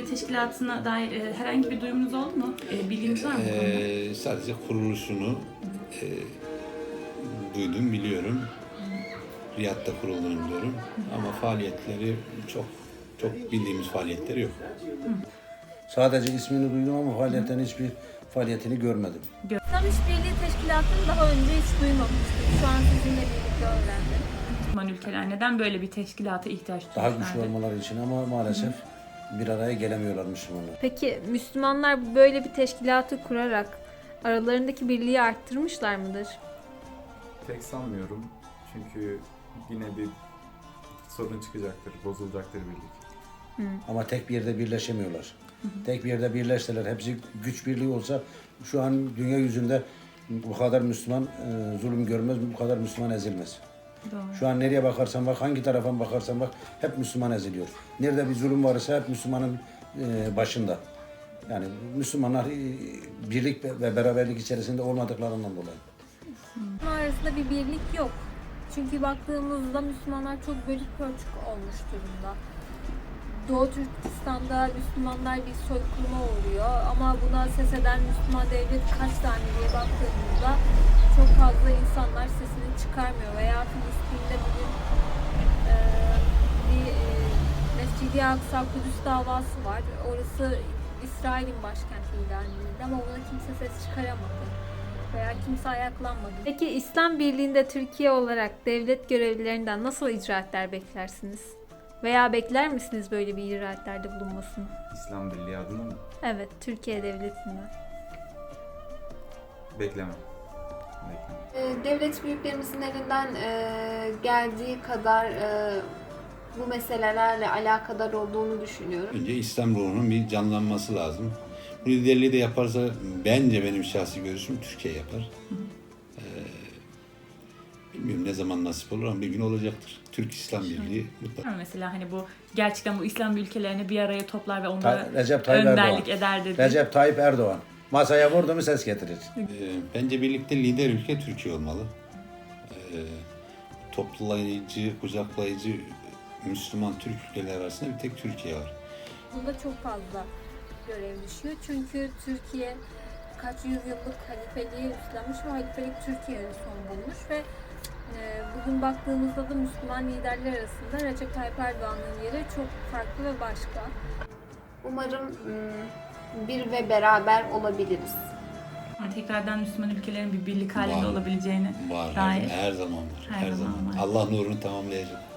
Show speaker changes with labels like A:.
A: teşkilatına dair herhangi bir duyumunuz oldu mu? Bilginiz var mı bu konuda?
B: Sadece kuruluşunu duydum, biliyorum. Riyad'da kurulduğunu biliyorum. Ama faaliyetleri çok bildiğimiz faaliyetleri yok.
C: Sadece ismini duydum ama faaliyetten hiçbir faaliyetini görmedim.
D: İslam İşbirliği Teşkilatı'nı daha önce hiç duymamıştım. Şu an sizinle birlikte öğrendim.
A: Müslüman ülkeler neden böyle bir teşkilata ihtiyaç
C: Daha
A: duyuyorlar?
C: güçlü olmaları için ama maalesef bir araya gelemiyorlar Müslümanlar.
D: Peki Müslümanlar böyle bir teşkilatı kurarak aralarındaki birliği arttırmışlar mıdır?
E: Pek sanmıyorum. Çünkü yine bir sorun çıkacaktır, bozulacaktır birlik.
C: Ama tek bir yerde birleşemiyorlar. Tek bir yerde birleşseler, hepsi güç birliği olsa şu an dünya yüzünde bu kadar Müslüman zulüm görmez, bu kadar Müslüman ezilmez.
A: Doğru.
C: Şu an nereye bakarsan bak, hangi tarafa bakarsan bak hep Müslüman eziliyor. Nerede bir zulüm varsa hep Müslümanın başında. Yani Müslümanlar birlik ve beraberlik içerisinde olmadıklarından dolayı.
D: Müslümanlar arasında bir birlik yok. Çünkü baktığımızda Müslümanlar çok bölük pörçük olmuş durumda. Doğu Türkistan'da Müslümanlar bir soykırıma uğruyor ama buna ses eden Müslüman devlet kaç tane diye baktığımızda çok fazla insanlar sesini çıkarmıyor. Veya Filistin'de bugün bir Mescid-i Aksa Kudüs davası var. Orası İsrail'in başkenti ilan edildi ama buna kimse ses çıkaramadı veya kimse ayaklanmadı. Peki İslam Birliği'nde Türkiye olarak devlet görevlilerinden nasıl icraatler beklersiniz? Veya bekler misiniz böyle bir icraatlerde bulunmasını?
E: İslam Birliği adına mı?
D: Evet, Türkiye Devleti'nden.
E: Beklemem.
F: Devlet büyüklerimizin elinden geldiği kadar bu meselelerle alakadar olduğunu düşünüyorum.
B: Önce İslam ruhunun bir canlanması lazım. Bu liderliği de yaparsa bence benim şahsi görüşüm Türkiye yapar. Bilmiyorum ne zaman nasip olur ama bir gün olacaktır. Türk İslam Birliği mutlaka.
A: Mesela hani bu gerçekten bu İslam ülkelerini bir araya toplar ve onlara
C: Recep Tayyip
A: önderlik
C: Erdoğan.
A: eder dedi.
C: Recep Tayyip Erdoğan. Masaya vurdu mu ses getirir.
B: Bence birlikte lider ülke Türkiye olmalı. Toplayıcı, kucaklayıcı Müslüman Türk ülkeler arasında bir tek Türkiye var.
D: Bunda çok fazla görev düşüyor. Çünkü Türkiye kaç yüzyıllık halifeliği üstlenmiş ve halifelik Türkiye'ye son bulmuş ve bugün baktığımızda da Müslüman liderler arasında Recep Tayyip Erdoğan'ın yeri çok farklı ve başka.
F: Umarım bir ve beraber olabiliriz.
A: Yani tekrardan Müslüman ülkelerin bir birlik halinde
B: Var.
A: olabileceğini
B: Var,
A: dair.
B: her zaman var.
A: Her zaman var.
B: Allah nurunu tamamlayacak.